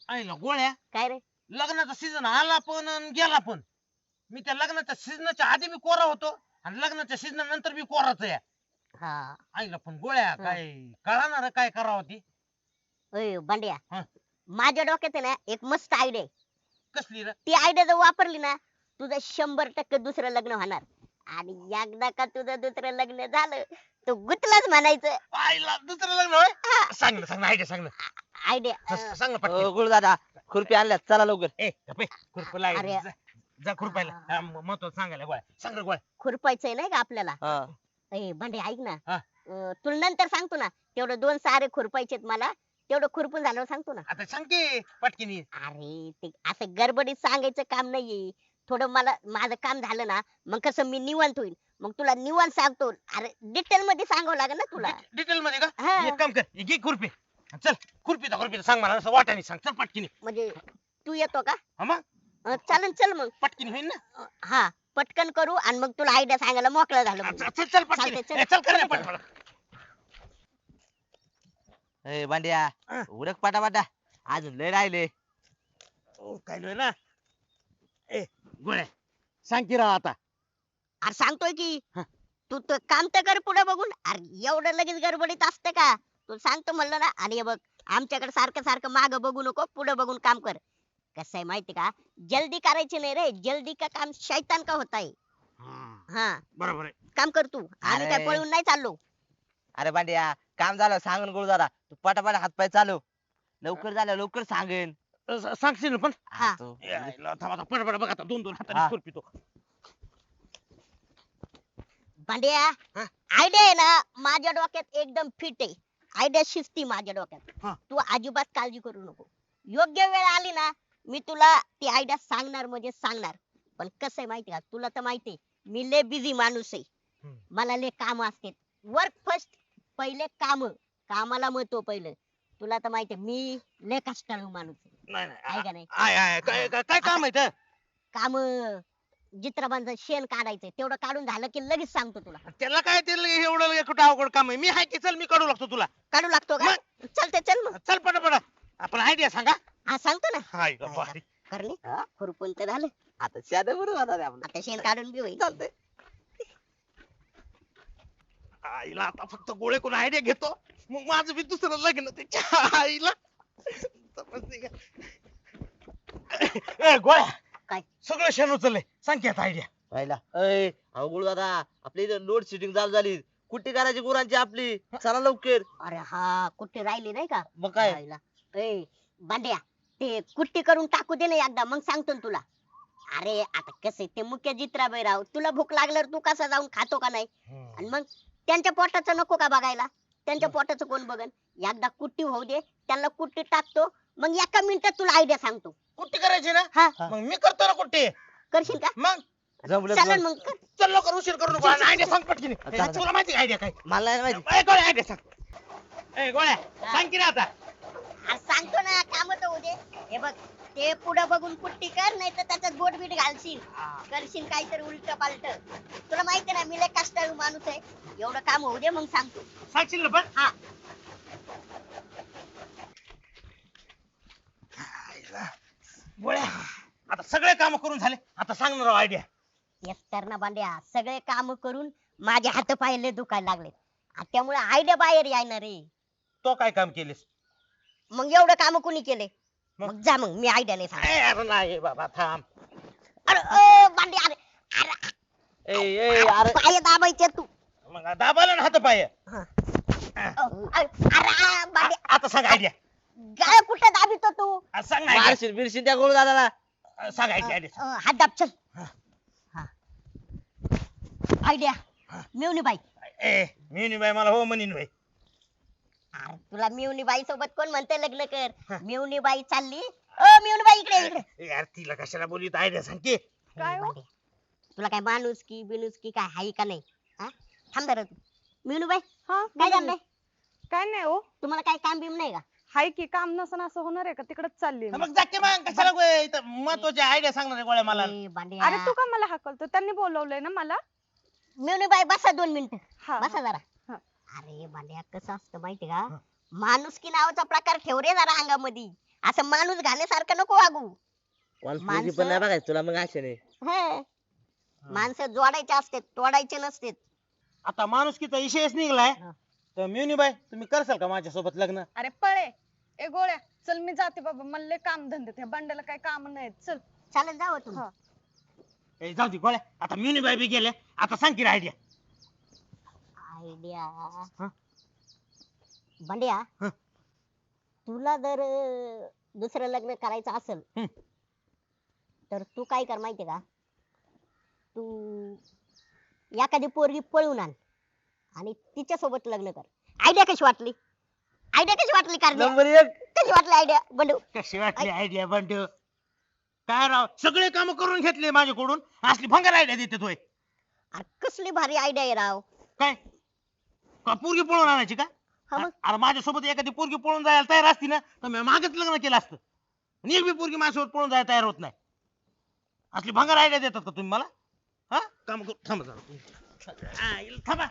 आईला गोळ्या, काय रे? लग्नाचा सीझन आला पण अन गेला पण. मी त्या लग्नाच्या सीझनच्या आधी मी कोरा होतो आणि लग्नाच्या सीझन नंतर मी कोराच आहे. हा. आईला पण गोळ्या हा. काय कळणार काय करावं ती. ओय बांड्या, हा. माझ्या डोक्यात आहे ना एक मस्त आयडिया आहे. कसली रे? ती आयडिया जर वापरली ना, तुझं 100% दुसरं लग्न होणार. आणि एकदा का तुझं दुसरं लग्न झालं, तर गुतलाच म्हणायचं. आईला दुसरं लग्न होय? सांग ना आयडिया सांग ना. आयडिया सांग ना पटकन. गुरुदादा खुरपी आणल्यात चला लवकर. ए गप्पे, खुरपं लाग. अरे. जा खुरपायला. महत्वाचं सांगायला गोळ्या. सांग रे गोळ्या. खुरपायचंय नाही का आपल्याला? हा. ए भांडे ऐक ना. हा. तुला नंतर सांगतो ना. तेवढं 2 सारे खुरपायचेत मला. तेवढं खुरपून झाल्यावर सांगतो ना. आता सांग की पटकिनी. अरे ते असं गडबडीत सांगायचं काम नाहीये. थोडं मला माझं काम झालं ना, मग कसं मी निवांत होईल. मग तुला निवांत सांगतो. अरे डिटेल मध्ये सांगावं लागेल ना तुला. डिटेल मध्ये का? हा. एक काम कर, घे खुरपी. चल खुरपीचा सांग मला, असं वाटाने सांग. चल पटकिनी. म्हणजे तू येतो का? हा मग चालेल चल मग. पटकिनी होईल ना. हा पटकन करू आणि मग तुला आयडिया सांगायला मोकळं झालं मग. चल चल पटकिनी. चालतंय, चल. ए, चल कर ना पटकन. ए बांड्या हा. उरक पाटा अजून लय राहिले. काय लोय ना. ए गोळ्या, सांग की राव आता. अरे सांगतोय की. हा. तू तर काम तर कर पुढे बघून. अरे एवढं लगेच गडबडीत असतं का? तू सांगतो म्हणलं ना. आणि हे बघ आमच्याकडे सारखं सारखं माग बघू नको, पुढे बघून काम कर. कसं आहे माहिती का? जल्दी करायची नाही रे. जल्दी का काम शैतान का होता है. हा बरोबर आहे. काम कर तू. आम्ही काय अरे. पळून नाही चाललो. अरे बांड्या काम झालं सांगून गुरुदादा तू पटापट हातपाय चालव. लवकर झालं लवकर सांगेन. सांगशील ना पण. हा. तू- पटपट बघ आता, दोन दोन हा. हाताने खुरपी तो. भांड्या हा. आयडिया आहे ना माझ्या डोक्यात एकदम फिट आहे. आयडिया शिस्ती माझ्या डोक्यात. हा. तू अजिबात काळजी करू नको. योग्य वेळ आली ना, मी तुला ती आयडिया सांगणार म्हणजे सांगणार. पण कसं आहे माहिती का? तुला तर माहिती आहे, मी लय बिझी माणूस आहे. हम्म. मला लय काम असतात. वर्क फर्स्ट, पहिले काम. कामाला महत्व पहिलं. तुला तर माहिती आहे, मी लय कष्टाळू माणूस आहे. नाही आहे का नाही? काय काम आहे ते? काम जित्राबांचं शेण काढायचंय. तेवढं काढून झालं की लगेच सांगतो तुला. त्याला काय ते एवढं कुठं अवघड काम आहे? मी आहे की, चल मी काढू लागतो तुला. काढू लागतो का? चलते चल मग. चल पटपट. आपण आयडिया सांगा. हा सांगतो ना. हाय ग बाई. करणे खुरपून तर झालं. आता शाद बरोबर आपलं. आता शेण काढून घेऊ. चालतंय. आईला आता फक्त गोळे कोण आयडिया घेतो, मग माझं बी दुसरं लग्न त्याच्या आईला. समजते का? ए गोळ्या, काय? सगळं शेण उचललंय. सांग की आता आयडिया. पाहिला अय अहो गुरुदादा आपली इथं लोड शेडिंग चालू झाली. कुट्टी करायची गुरांची आपली. चला लवकर. अरे हा कुठे राहिली नाही का? मग काय? राहिला. ए बांड्या, ते कुट्टी करून टाकू दे ना एकदा, मग सांगतो ना तुला. अरे आता कसं ते मुख्य जित्राबाई राव, तुला भूक लागल्यावर तू कसा जाऊन खातो का नाही? आणि मग त्यांच्या पोटाचं नको का बघायला? त्यांच्या पोटाचं कोण बघन? एकदा कुट्टी होऊ दे, त्यांना कुट्टी टाकतो, मग एका मिनिटात तुला आयडिया सांगतो. कुट्टी करायची ना? हा मग मी करतो ना कुट्टी. करशील का? मग जमलं चालेल जमलं. मग कर. चल लवकर, उशीर करू नको. आयडिया सांग पटकीने. चाल. तुला माहिती आयडिया काय? मला नाही माहिती. ए गोळ्या, आयडिया सांग. ए गोळ्या, सांग की रे आता. अरे सांगतो ना, काम तर होऊ दे. हे बघ ते पुढे बघून कुट्टी कर, नाही तर त्याच्यात बोट बीट घालशील. करशील काहीतरी उलट पालट. तुला माहिती ना मी लय कष्टाळू माणूस आहे. एवढं काम होऊ दे मग सांगतो. सांगशील ना पण. हा. आईला. गोळ्या, आता सगळे काम करून झाले. आता सांग ना राव आयडिया. येस तर ना बांड्या, सगळे काम करून माझे हात पाय लय दुखायला लागले. त्यामुळे आयडिया बाहेर यायना रे. तो काय काम केलेस? मग एवढं काम कोणी केले? मग? मग जा मग मी आयडिया नाही सांग. अरे नाही बाबा, थांब. अरे ओ बांड्या, अरे अरे ए ए अरे पाय दाबायचे तू. मग दाबाला ना हात पाय. अरे बांड्या, आता सांग आयडिया. गाय कुठे दाबितो तू? सांग ना idea. मारशील बिरशील त्या गुरुदादाला. सांग आयडिया. हात दाब चल. आयडिया मिवनी बाई. ए मिनी बाई मला हो म्हणीन बाई. अरे तुला मिवनी बाई सोबत कोण म्हणते लग्न कर? मिवनी बाई चालली. ओ मिवनी बाई इकडे इकडे. यार तिला कशाला बोलत आयडिया सांग की. काय हो? तुला काय माणूस की बिनूस की काय हाय का नाही? हा? थांब जरा तू. मिवनी बाई हा काय बोला चाललंय? ना. काय नाही हो, तुम्हाला काय काम बिम नाही का? हाय की काम नसन असं होणार आहे का? तिकडच चालली मी. मग जाके मग कशाला इथं महत्वाची आयडिया सांगणार आहे गोळ्या मला. ए, बांड्या. अरे तू का मला हाकलतो? त्यांनी बोलवलंय ना मला. मिवनी बाई बसा 2 मिनिटं. हा बसा जरा. हा. अरे बांड्या कसं असतं माहिती का? माणुसकी नावाचा प्रकार ठेव रे जरा अंगामध्ये. असं माणूस घाण्यासारखं नको वागू. पोरगी पण नाही बघायचं तुला मग अशाने. हं. माणसं जोडायचे असते, तोडायचे नसते. आता माणुसकीचा विषयच निघलाय हा. तर मिवनी तुम्ही करसाल का माझ्यासोबत लग्न? अरे पळे ए गोळ्या, चल मी जाते बाबा, मला लय काम धंदे त्या बंड्याला काही काम नाहीत. चल. चालेल जावं तुम्ही. हा. ए, जाऊ दे गोळ्या, आता मिवनी बी गेले, आता सांग की आयडिया. आयडिया. हा? बंड्या, हा. तुला जर दुसरं लग्न करायचं असेल हम्म. तर तू काय कर माहितीये का, तू एखादी पोरगी पळून आण आणि तिच्या सोबत लग्न कर. आयडिया कशी वाटली? आयडिया कशी वाटली कारण्या? नंबर 1. कशी वाटली आयडिया बंडू? कशी वाटली आयडिया बंडू? काय राव, सगळे काम करून घेतले माझ्याकडून, असली भंगार आयडिया देते तोय. अरे कसली भारी आयडिया आहे राव. काय का पोरगी पळून आणायची का? हा मग. अरे माझ्यासोबत एखादी पोरगी पळून जायला तयार असती ना तर मी मागेच लग्न केलं असतं. आणि एक बी पोरगी माझ्यासोबत पळून जायला तयार होत नाही. असली भंगार आयडिया देतात का तुम्ही मला? हा, काम करू, थांबा जरा तुम्ही. थांबा.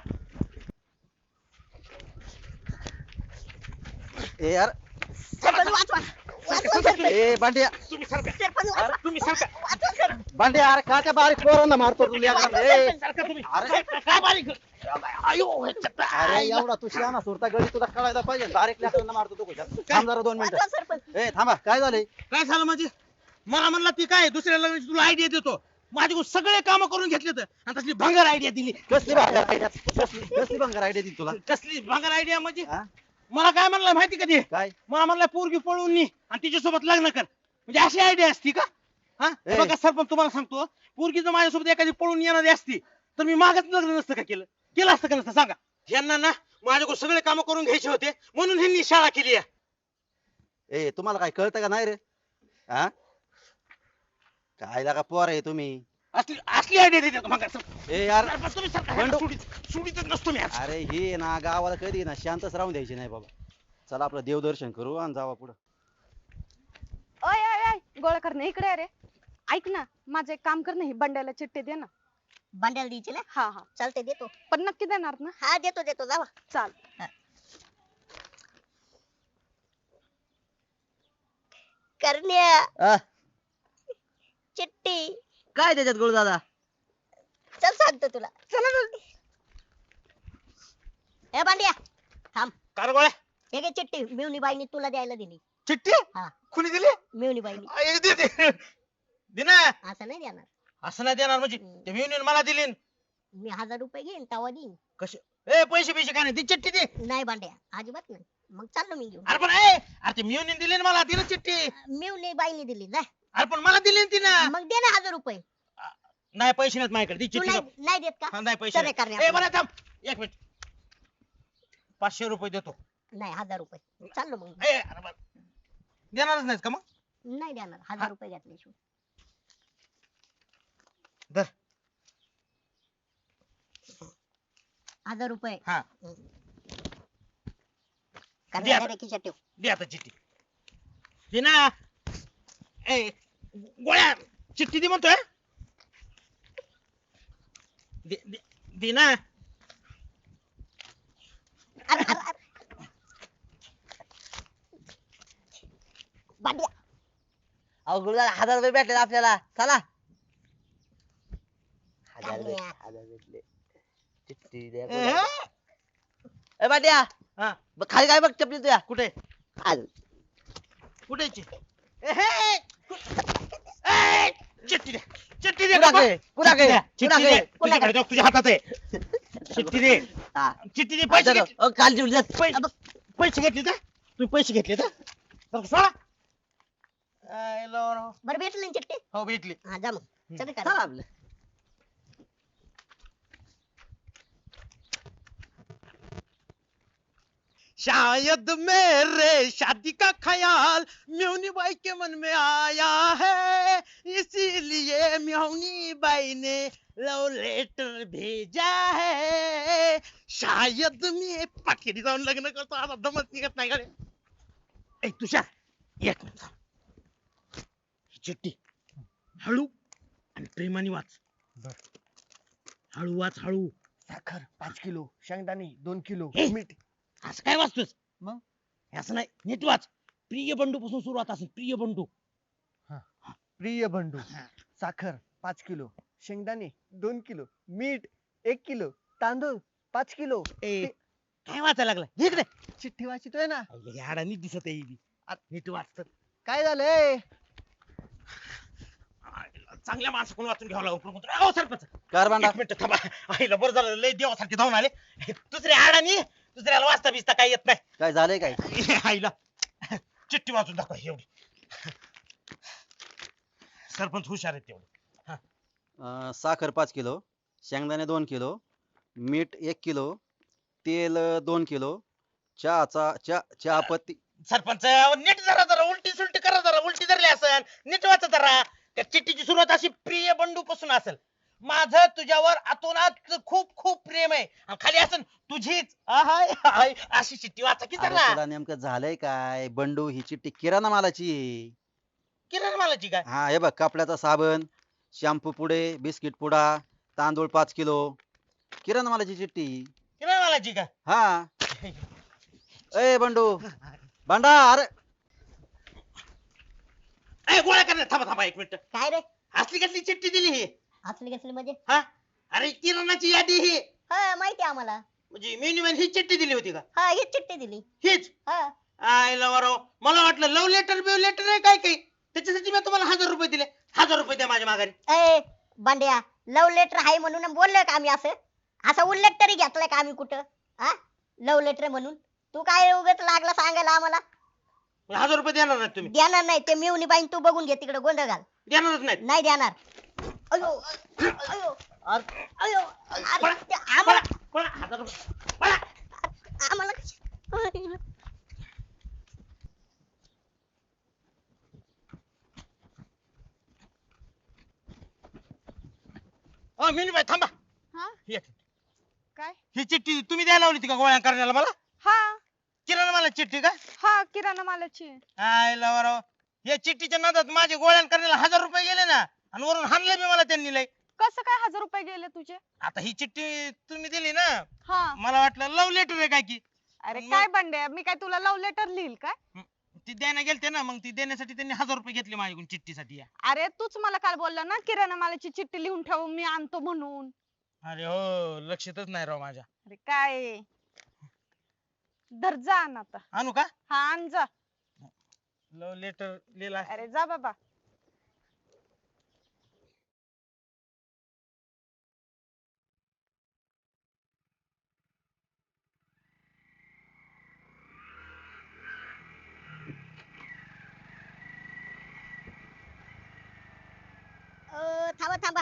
ए यार, सरपंच वाचवा. वाचवा सरपंच. ए बांड्या, तुम्ही सरका. सरपंच वाचवा. तुम्ही सरका. वाचवा सरपंच. बांड्या अरे का त्या बारीक पोरांना मारतो तू लेकरांना? ए, सरका तुम्ही. अरे. काय बारीक? आयो, अरे एवढा तू शहाणा सुरता गडी तुला कळायला पाहिजे. बारीक लेकरांना मारतो तू कशाला? थांब जरा 2 वाचवा मिनिटं. सरपंच. ए थांबा, काय झालंय? काय झालं म्हणजे? मला म्हणला ती काय दुसऱ्या लग्नाची तुला आयडिया देतो. माझ्याकडून सगळे काम करून घेतले तर आणि तसली भंगार आयडिया दिली. कसली भंगार आयडिया? कसली भंगार आयडिया दिली तुला? कसली भंगार आयडिया म्हणजे? हा? मला काय म्हणलं माहिती का ते? काय? मला म्हणलं पोरगी पळून नी आणि तिच्यासोबत लग्न कर. म्हणजे अशी आयडिया असती का? हा, ए. बघा सरपंच, तुम्हाला सांगतो, पोरगी जर माझ्यासोबत एखादी पळून येणारी असती तर मी मागच लग्न नसतं का केलं? केलं असतं का नसतं सांगा? यांना ना माझ्याकडून सगळे काम करून घ्यायचे होते म्हणून ह्यांनी शाळा केली आहे. ए तुम्हाला काय कळतं का नाही रे? हा, काय लागा पोर आहे तुम्ही? असली असली आयडिया देते मग ए यार, तुम्ही सरका. बंडू. सुडीतच नसतो मी आज. अरे हे ना गावाला कधी ना शांतच राहून द्यायची नाही बाबा. चला आपलं देवदर्शन करू आणि जावा पुढं. ओय ओय ओय गोळ्या करणे इकडे आहे रे. ऐक ना, माझं एक काम कर ना, ही बंड्याला चिठ्ठी दे ना. बंड्याला द्यायची ना? हा हा, चालते देतो. पण नक्की देणार ना? हा देतो देतो जावा. चाल. करण्या आ, चिट्टी. काय त्याच्यात गुरु दादा? चल सांगतो तुला. ए बांड्या थांब. कार गोळ्या हे घे चिट्टी, मिवनी बाईनी तुला द्यायला दिली. चिठ्ठी हा. कुणी दिली? मिवनी बाईनी. दे ना. असं नाही देणार. असं नाही देणार म्हणजे? ते युनियन मला दिली न. मी 1000 रुपये घेईन तवा देईन. कसे? ए पैसे पैसे काय नाही, ती चिठ्ठी दे. नाही बांड्या अजिबात नाही. मग चाललो मी घेऊन. अरे पण अरे ते युनियन दिली ना मला, दिलं चिठ्ठी. मिवनी बाईनी दिली ना. अरे पण मला दिली ना तिनं. मग दे ना 1000 रुपये. नाही पैसे नाहीत माझ्याकडे, दी तू चिठ्ठी. नाही नाही देत का? हा, नाही पैसे चल रे नाही. करण्या ए आपलं. मला थांब एक मिनिट. 500 रुपये देतो. नाही 1000 रुपये. चाललो मग. अरे बरं. देणारच नाहीत का मग? नाही देणार 1000 रुपये घेतल्याशिवाय. धर. 1000 रुपये. हा. करण्या दे रे खिशात ठेव. दे आता चिठ्ठी. दे ना. ए गोळ्या चिठ्ठी दे म्हणतोय. दे दे दे ना. अरे अरे अरे. बांड्या अहो गुरु दादा 1000 रुपये भेटले आपल्याला. चला. 1000 करण्या. भेटले. चिठ्ठी द्या ए, गुरुदादा. ए बाट्या, हा, बघ खाली काय बघ चपली तुझ्या. कुठे आज. कुठे चिठ्ठी दे. चिठ्ठी दे. कुणाकडे? कुणाकडे? चिठ्ठी दे. कुणाकडे? तुझ्याकडे जाऊ, तुझ्या हातात आहे. चिठ्ठी दे. हा. चिठ्ठी दे. पैसे घेतले. अहो, काल चिवली जात. पैसे घेतले का? तुम्ही पैसे घेतले का? तर सोडा. बरं भेटली ना चिट्टी? हो भेटली. हा जा मग. चल रे चला करण्या. आपलं. शायद मेरे शादी का ख्याल म्योनी बाई के मन में आया है, इसीलिए म्योनी बाई ने लव लेटर भेजा है. शायद मी पाकिरी जाऊन लग्न करतो, आता दमत निघत नाही कडे. ए तुषार एक मिनिट थांब. ही चिठ्ठी हळू आणि प्रेमाने वाच. हळू वाच हळू. साखर 5 किलो, शेंगदाणे 2 किलो, हे? मीठ. असं काय वाचतोस? मग? असं नाही, नीट वाच. प्रिय बंडू पासून सुरुवात असेल, प्रिय बंडू. प्रिय बंडू. साखर 5 किलो, शेंगदाणे 2 किलो, मीठ 1 किलो, तांदूळ 5 किलो. ए काय वाचायला लागला इकडे. चिठ्ठी वाचितोय ना. याडा नीट दिसत आहे ही. नीट वाचत. काय झालंय? चांगल्या माणसाकडून वाचून घ्यावं लागलं. अहो सरपंच कार बांडा. एक मिनिट थांबा. आईला बरं झालं लय देवासारखे धावून आले. दुसऱ्या अडाणी दुसऱ्याला वाचता बिचता काही येत नाही. काय झालंय काय? आईला चिठ्ठी वाचून दाखवा एवढी. सरपंच हुशार आहेत तेवढे. साखर 5 किलो, शेंगदाणे 2 किलो, मीठ 1 किलो, तेल 2 किलो, चहा पत्ती. सरपंच नीट जरा जरा उलटी सुलटी करा, जरा उलटी धरली असेल नीट वाचा जरा. त्या चिठ्ठीची सुरुवात अशी प्रिय बंडू पासून असेल. माझं तुझ्यावर अतोनात खूप खूप प्रेम आहे. आणि खाली असेल तुझीच आहाय हाय अशी चिठ्ठी वाचा की अरे जरा. तुला नेमकं झालंय काय? बंडू ही चिठ्ठी किराणा मालाची आहे. किरण मालाची काय? हा हे बघ, कपड्याचा साबण, शॅम्पू पुडे, बिस्किट पुडा, तांदूळ 5 किलो, किराणा मालाची चिठ्ठी. किरण मालाची काय? हा. ए बंडू भांडा. अरे ए गोळ्या करणार थांबा थांबा एक मिनिट. काय रे? असली कसली चिठ्ठी दिली ही? असली कसली म्हणजे? हा अरे किराणाची यादी ही. हा माहिती आम्हाला. म्हणजे मेन्यूमॅन ही चिठ्ठी दिली होती का? हा हीच चिठ्ठी दिली. हीच. हा आयला वराव मला वाटलं लव्ह लेटर बिव लेटर आहे काय काही. त्याच्यासाठी मी तुम्हाला 1000 रुपये दिले. 1000 रुपये द्या माझ्या माघारी. ए बांड्या, लव्ह लेटर आहे म्हणून बोललोय का आम्ही असं? असा उल्लेख तरी घेतलाय का आम्ही कुठं? हा लव्ह लेटर म्हणून तू काय उगाच लागला सांगायला आम्हाला? 1000 रुपये देणार नाहीत तुम्ही? देणार नाही. ते मिवणी बाईन तू बघून घे तिकडे गोंधळ घाल. देणारच नाहीत. नाही देणार. अयो अयो अयो अरे पळा, ते आम्हाला पळा, 1000 रुपये पळा. आम्हाला कशी- मिनीबाई थांबा. हा एक. काय? ही चिठ्ठी तुम्ही द्यायला लावली होती का गोळ्या करण्याला मला? हा किराणा मला चिठ्ठी का? हा किराणा मालाची आहे. आयला वराव या चिठ्ठीच्या नादात माझे गोळ्या करण्याला 1000 रुपये गेले ना. आणि वरून हाणले बी मला त्यांनी लय. कसं काय 1000 रुपये गेले तुझे? आता ही चिठ्ठी तुम्ही दिली ना, हा मला वाटलं लव्ह लेटर आहे काय की. अरे मग- काय बंड्या, मी काय तुला लव्ह लेटर लिहिल काय? ती द्यायला गेलते ना, मग ती देण्यासाठी त्यांनी 1000 रुपये घेतले माझ्याकडून चिठ्ठीसाठी या. अरे तूच मला काल बोलला ना किराणा मालाची चिठ्ठी लिहून ठेव मी आणतो म्हणून. अरे हो लक्षातच नाही राव माझ्या. अरे काय धर जा आण आता. आणू का? हा आण जा. लव्ह लेटर लिहिला. अरे जा बाबा. थांबा थांबा.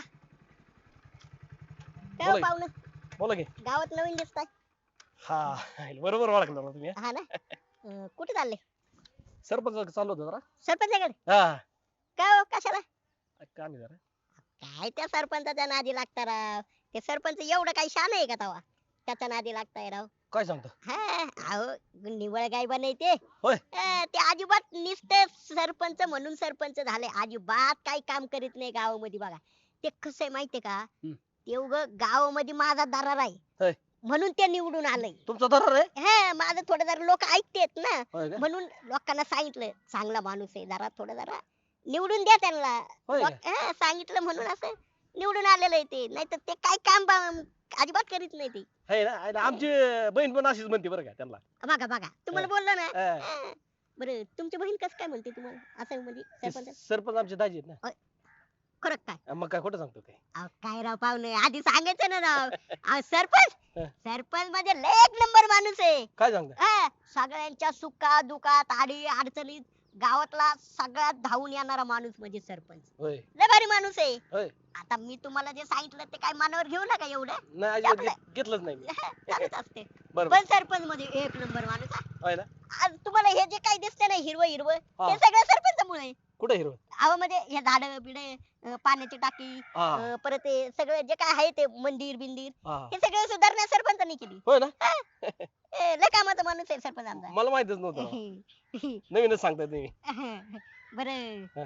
काय बोला हो की. पाहुणं, बोला की. गावात नवीन दिसताय. हा बरोबर ओळखलं ना तुम्ही. हा ना. कुठे चालले? सरपंच चालू होतं जरा. सरपंचाकडे? हा काय हो कशाला? काम आहे जरा. काय त्या सरपंचाच्या नादी लागता राव. ते सरपंच एवढं काही शान आहे का तवा त्याच्या नादी लागताय राव? काय सांगतो? हा अहो निवळ गाय बनायते. होय. ते अजिबात नुसते सरपंच म्हणून सरपंच झाले. अजिबात काही काम करीत नाही गावामध्ये बघा. ते कसं आहे माहितीये का? ते उग गावामध्ये माझा दरार होय. आहे म्हणून ते निवडून आलंय. तुमचा दरार आहे? हा माझं थोडं जरा लोक ऐकतेत ना, होय का? म्हणून लोकांना सांगितलं चांगला माणूस आहे जरा थोडं जरा निवडून द्या त्यांना. होय का? हा, सांगितलं म्हणून असं निवडून आलेलं आहे ते. नाहीतर ते काय काम अजिबात करीत नाही ते. है ना? आहे ना? आमची बहीण पण अशीच म्हणते बरं का त्यांना. बघा बघा तुम्हाला बोललो ना. हा. हा. बरं तुमची बहीण कसं काय म्हणते तुम्हाला असं म्हणजे ते सरपंच? सरपंच आमचे दाजी आहेत ना. खरं काय? मग काय खोटं सांगतो काय? अहो, काय राव पाहुणे आधी सांगायचं ना राव. अहो, सरपंच हा. सरपंच म्हणजे लय एक नंबर माणूस आहे. काय सांगता? हा, सगळ्यांच्या सुखात दुखात आडी अडचणीत गावातला सगळ्यात धावून येणारा माणूस म्हणजे सरपंच. होय लय भारी माणूस आहे. होय. आता मी तुम्हाला जे सांगितलं ते काय मनावर घेऊ नका एवढं. नाही अजिबात घेतलंच नाही मी. चालत असते. बरं पण सरपंच मध्ये एक नंबर माणूस हा. होय ना? आज तुम्हाला हे जे काही दिसतंय ना हिरवं हिरवं हा. ते सगळं सरपंचामुळे आहे. कुठे हिरो? अहो म्हणजे हे झाड बिडे पाण्याची टाकी हा परत ते सगळं जे काय आहे ते मंदिर बिंदिर हा. हे सगळं सुधारणा सरपंचांनी केली. होय ना? लय कामाचा माणूस आहे सरपंच आमचा. मला माहितच नव्हतं राव. नवीनच सांगताय तुम्ही. बरं हा.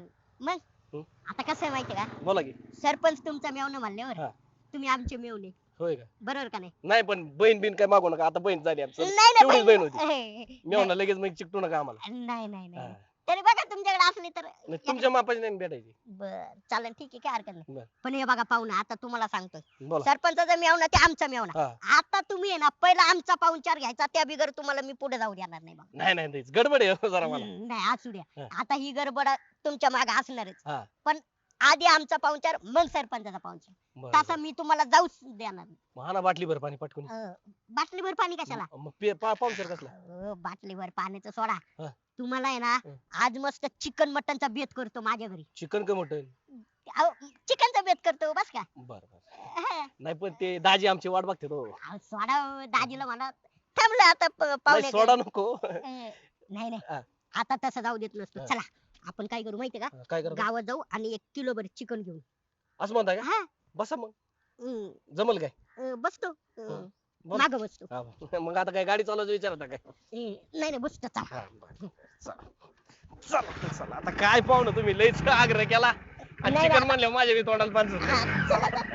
मग हं. आता कसं आहे माहितीये का? बोला की. सरपंच तुमचा मेवणं म्हणल्यावर हा. तुम्ही आमचे मेवणे. होय का बरोबर का नाही? नाही पण बहीण बिन काय मागू नका आता बहीण झाली आमचं नाही तेवढीच बहीण होती नाही मी म्हणलं लगेच मग चिकटू नका आम्हाला नाही नाही हा. नाही तरी बघा तुमच्याकडे असली तर नाही, तुमच्या मापाची नाही भेटायची बर चालेल ठीक आहे काय हरकत नाही बर. पण हे बघा पाहुणा आता तुम्हाला सांगतोय बोला सरपंचाचा मेवना ते आमचा मेवना हा आता तुम्ही आहे ना पहिला आमचा पाहुणचार घ्यायचा त्या बिगर तुम्हाला मी पुढे जाऊ देणार नाही बघा नाही नाही तेच गडबड आहे हो जरा मला नाही असू द्या हा. आता ही गडबड तुमच्या मागे असणारच हा पण आधी आमचा पाहुणचार मग सरपंचाचा पाहुणचार बरं, तसा बरं. मी तुम्हाला जाऊच देणार नाही. महाना बाटली भर पाणी पटकून बाटलीभर पाणी कशाला मग पाहुणचार कसला बाटलीभर पाण्याचं सोडा हा. तुम्हाला आहे ना हं. आज मस्त चिकन मटनचा बेत करतो माझ्या घरी चिकन का मटन चिकनचा बेत करतो बस का बर बर नाही पण ते दाजी आमची वाट बघते तो सोडा दाजीला म्हणा थांबलं आता नाही पाहुणे सोडा नको नाही नाही हा. आता तसं जाऊ देत नसतो हा. चला आपण काय करू माहितीये का काय करतो गावात जाऊ आणि 1 किलो भर चिकन घेऊन असं म्हणताय का हा बसा मग हं, जमल काय बसतो बोल. माग बसतो हा, मग आता काय गाडी चालवायचं विचारता काय नाही नाही बसतो चला हा, बरं. चला चला आता काय पाहुणं तुम्ही लयच आग्रह केला आणि नाही, चिकन नाही. म्हणलं माझ्या बी तोंडाला पाणी सुटलं. हा, चला आता.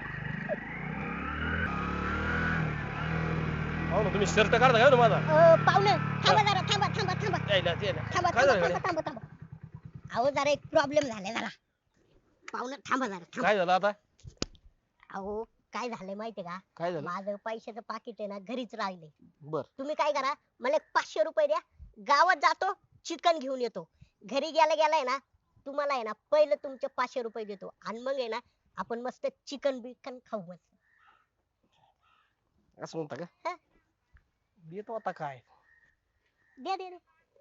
पाहुणं तुम्ही शर्ट काढता काय माझा पाहुणे थांबा जरा थांबा थांबा थांबा यायला ते यायला. थांबा काय थांबा झालं थांबा थांबा थांबा अहो जरा एक प्रॉब्लेम झालाय जरा पाहुणे थांबा जरा थांबा काय झालं आता अहो काय झालंय माहितीये का काय झालं माझं पैशाचं पाकिट आहे ना घरीच राहिले बर तुम्ही काय करा मला एक 500 रुपये द्या गावात जातो चिकन घेऊन येतो घरी गेला गेलाय ना तुम्हाला आहे ना पहिलं तुमचे 500 रुपये देतो आणि मग आहे ना आपण मस्त चिकन बिकन खाऊ मस्त असं म्हणता का हा. देतो आता काय द्या द्या द्या.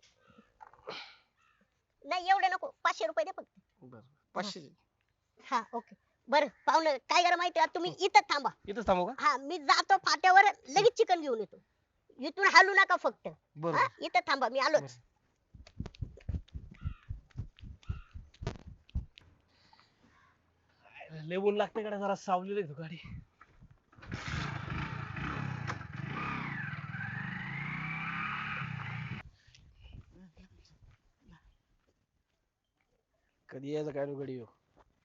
नाही एवढे नको 500 रुपये द्या फक्त बर 500 हा ओके बरं पाहुणं काय करा माहिती आहे तुम्ही इथं थांबा इथंच थांबू का हा मी जातो फाट्यावर लगेच चिकन घेऊन येतो इथून हालू नका फक्त बरं हा इथं थांबा मी आलोच लय ऊन लागते कडे जरा सावली लागतो गाडी कधी यायचं काय गाडी येऊ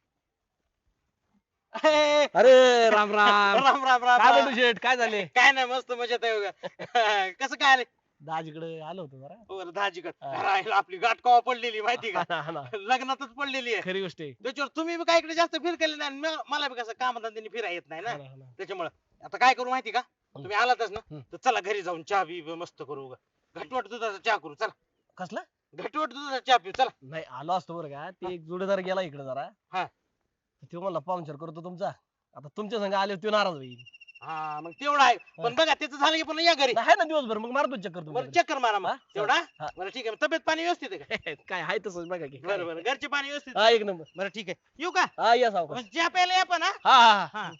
अरे राम राम राम राम राम काय राम. म्हणतो शेठ काय झाले काय नाही मस्त मजेत आहे बघा. कसं काय आले दाजीकडे आलो होतो जरा दाजीकड हा. राहिलं आपली गाठ कवा पडलेली माहिती का हा ना. लग्नातच पडलेली आहे खरी गोष्ट आहे त्याच्यावर तुम्ही बी काय इकडे जास्त फिर केले नाही आणि मला बी कसं कामधंद्याने फिरा येत नाही ना हा ना, हा ना. त्याच्यामुळे आता काय करू माहिती का तुम्ही आलातच ना हम्म. तर चला घरी जाऊन चहा बी मस्त करू उगा. घटवट दुधाचा चहा करू चला कसला घटवट दुधाचा चहा पिऊ चला नाही आलो असतो बरं का ते एक जोडीदार गेला इकडे जरा हा. तो म्हणला पाहुणचार करतो तुमचा आता तुमच्या संग आले तो नाराज होईल हा मग तेवढा आहे पण बघा त्याचं झालं की पण या घरी आहे ना दिवसभर मग मारतो चक्कर बरं तुमच्याकडे. चक्कर मारा मग हा? तेवढा हा. बरं ठीक आहे तब्येत पाणी व्यवस्थित आहे का काय आहे तसंच बघा की बरं बरं घरचे पाणी व्यवस्थित हा एक नंबर बरं ठीक आहे येऊ का हा या सावकाश मग चहा प्यायला या पण हा हा हा हा हा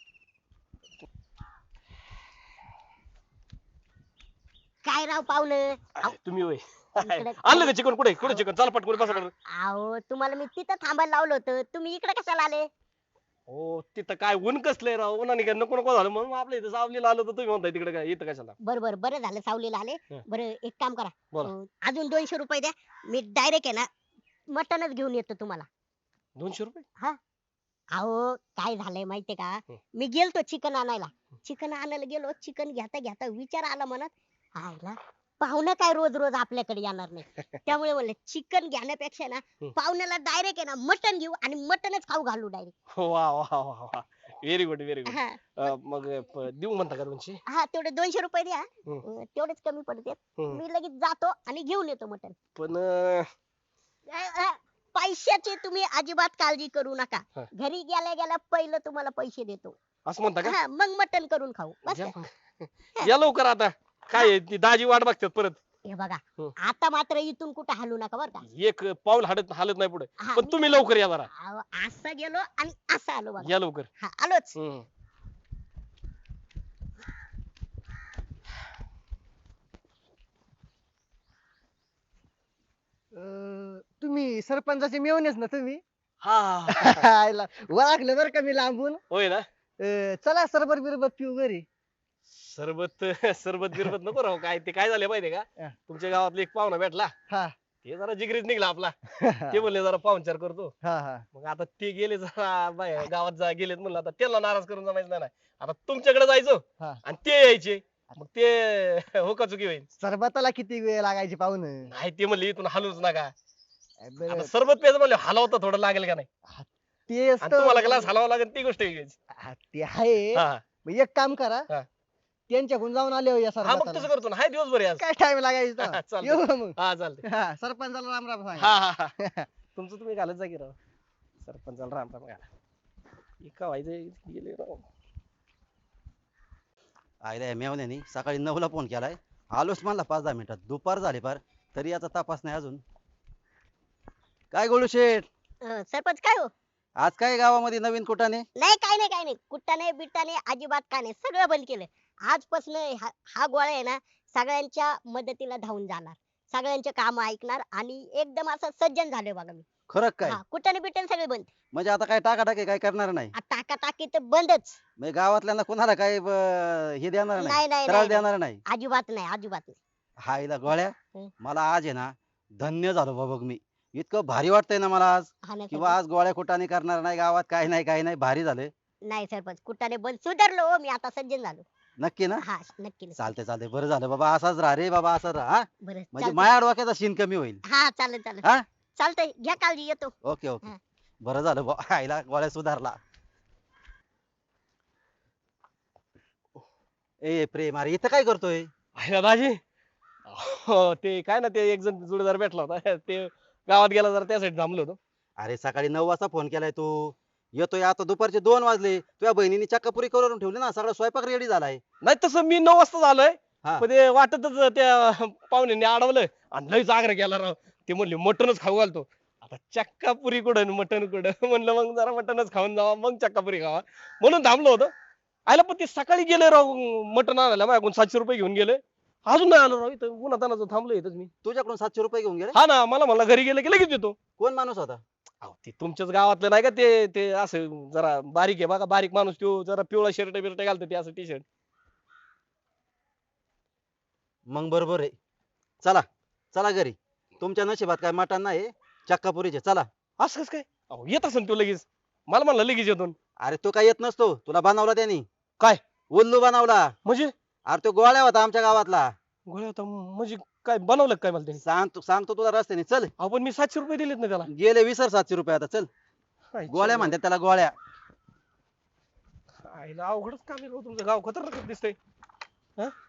काय राव पाहुणं तुम्ही होय इकडे- आणलं का चिकन कुठे कुठे चिकन चला पटकन बसा बरं. अहो तुम्हाला मी तिथं थांबायला लावलं होतं तुम्ही इकडे कशाला आले हो तिथं काय ऊन कसलंय राव उन्हाने काय नको नको झालं म्हणून आपल्या इथं सावलीला आलो तर तुम्ही म्हणताय तिकडे काय इथं कशाला बरं बरं झालं सावलीला आले हं. बरं एक काम करा बोला. अजून 200 रुपये द्या मी डायरेक्ट आहे ना मटनच घेऊन येतो तुम्हाला 200 रुपये अहो काय झालंय माहितीये का हं. मी गेलतो चिकन आणायला चिकन आणायला गेलो चिकन घेता घेता विचार आला मनात आयला पाहुणं काय रोज रोज आपल्याकडे येणार नाही त्यामुळे म्हणलं चिकन घेण्यापेक्षा ना हं. पाहुण्याला डायरेक्ट आहे ना मटन घेऊ आणि मटनच खाऊ घालू डायरेक्ट वा वा वा वा व्हेरी गुड व्हेरी गुड हा मग देऊ म्हणता का 200 हा तेवढे 200 रुपये द्या हं. तेवढेच कमी पडते हं. मी लगेच जातो आणि घेऊन येतो मटन पण पैशाची तुम्ही अजिबात काळजी करू नका हा. घरी गेल्या गेल्या पहिलं तुम्हाला पैसे देतो असं म्हणता का हा मग मटन करून खाऊ बस या का? मग. या लवकर आता काय आहे, ती दाजी वाट बघतात परत हे बघा हं. आता मात्र इथून कुठे हलू नका बर का एक पाऊल हालत नाही पुढे हा, पण तुम्ही लवकर या जरा अहो, असं गेलो आणि असं आलो बघा या लवकर हा आलोच हम्म. तुम्ही सरपंचाचे मेवणेच ना तुम्ही हा आयला, ओळखलं बरं का मी लांबून होय ना चला सरबत बिरबत पिऊ घरी सरबत सरबत बिरबत नको राहू काय ते काय झाले माहितीये का हा. तुमच्या गावातला एक पाहुणा भेटला हा ते जरा जिगरीत निघला आपला ते म्हणले जरा पाहुणचार करतो. हा हा मग आता ते गेले जरा बाहेर गावात गेलेत म्हणलं आता त्याला नाराज करून जमायचं नाही. आता तुमच्याकडे जायचं हा. आणि ते यायचे मग ते हो का चुकी होईल. सरबताला किती वेळ लागायची पाहुण नाही ते म्हणले इथून हलूच नका. आता सरबत प्यायचं म्हणले हलवता थोडं लागेल का नाही ते आणि तुम्हाला ग्लास हलवावं लागेल ती गोष्ट वेगळीच. ते आहे हा मग एक काम करा हा. त्यांच्याकडून जाऊन आले हो या हा मग सरबताला तसं करतो ना हाय दिवसभर आज. काय टाइम लागायचा चालतंय. येऊ का मग हा चालते. हा सरपंचाला राम राम सांगा हा हा हा तुमचं तुम्ही घालत जा की राव सरपंचाला राम राम घाला. एका व्हायचं गेले राव. आयला मेवण्यानी सकाळी 9ला फोन केलाय, आलोच म्हणला 5-10 मिनिटात. दुपार झाली पार तरी याचा तपास नाही अजून. काय गोळू शेठ, सरपंच काय हो? आज काय गावामध्ये नवीन कुटाने? नाही काय नाही कुट्टाने बिट्टाने अजिबात काय नाही, सगळं बंद केलं. आजपासून हा गोळा आहे ना सगळ्यांच्या मदतीला धावून जाणार, सगळ्यांचे काम ऐकणार आणि एकदम असं सज्जन झालोय बघा मी. खरं काय? हा कुट्टाने बिट्टाने सगळे बंद. म्हणजे आता काय टाकाटाकी काय करणार नाही? टाकी तर बंदच. म्हणजे गावातल्यांना कोणाला काय हे देणार नाही, नाही, नाही, त्रास नाही, देणार नाही? अजिबात नाही अजिबात नाही. हायला गोळ्या, हं. मला आज आहे ना धन्य झालो बाबा बघ मी. इतकं भारी वाटतंय ना मला आज, हा ना किंवा सरपंच. आज गोळ्या कुटाने करणार नाही गावात, काय नाही काय नाही, भारी झालं. नाही सरपंच कुट्टाने बंद सुधारलो हो मी, आता सज्जन झालो. नक्की ना? हा नक्की चालतंय चालतंय, बरं झालं बाबा, असाच राहा रे बाबा, असाच राहा हा? बरं म्हणजे चालतंय. माया डोक्याचा शिन कमी होईल. हा चालेल चालेल हा? चालतंय, घ्या काळजी, येतो. ओके ओके, हा. बरं झालं बा, आईला गोळ्या सुधारला. ए प्रेम, अरे इथं काय करतोय? आहे ना दाजी. हो ते काय ना ते एक जण जोडीदार भेटला होता ते गावात गेला जरा त्यासाठी थांबलो होतो. अरे सकाळी 9 वाजता फोन केलाय तू, येतोय आता दुपारचे 2 वाजले. तुझ्या बहिणीने चक्कापुरी करून ठेवली ना, सगळा स्वयंपाक रेडी झालाय. नाही तसं मी 9 वाजता झालोय हा. पण ते वाटतच त्या पाहुण्यांनी अडवलं आणि लयच आग्रह केला राव. ते म्हणले मटनच खाऊ घालतो. आता चक्कापुरी कुठं मटन कुठं म्हणलं मग जरा मटनच खाऊन जावा मग चक्कापुरी खावा म्हणून थांबलो होतो. आयला पण ते सकाळी गेले राव मटन आणायला, माझ्याकडून 700 रुपये घेऊन गेले. अजून नाही आलो राव, इथं उन्हातानाचं थांबलो इथंच मी. तुझ्याकडून 700 रुपये घेऊन गेले? हा ना, मला म्हणला घरी गेले की लगेच येतो. कोण माणूस होता? अहो ते तुमच्याच गावातलं नाही का ते ते असं जरा बारीक आहे बघा, बारीक माणूस तो जरा पिवळा शर्ट बिर्ट घालतो ते असं टी शर्ट. मग बरोबर आहे, चला चला घरी. तुमच्या नशिबात काय मटण नाही, चक्कापुरीचे, चला. असं कसं काय? अहो येत असेल तो लगेच, मला म्हणला लगेच येतो. अरे तो काय येत नसतो, तुला बनवला त्यांनी. काय? उल्लू बनवला. म्हणजे अरे तो गोळ्या होता आमच्या गावातला. गोळ्या होता म्हणजे काय बनवलं का काय मला त्यांनी? सांगतो तुला रस्त्याने, चल. अहो पण मी 700 रुपये दिलेत ना त्याला. गेले विसर 700 रुपये, आता चल. गोळ्या म्हणतात त्याला, गोळ्या. आईला अवघडच काम आहे राव तुमचं, गाव खतरनाक दिसतंय. हा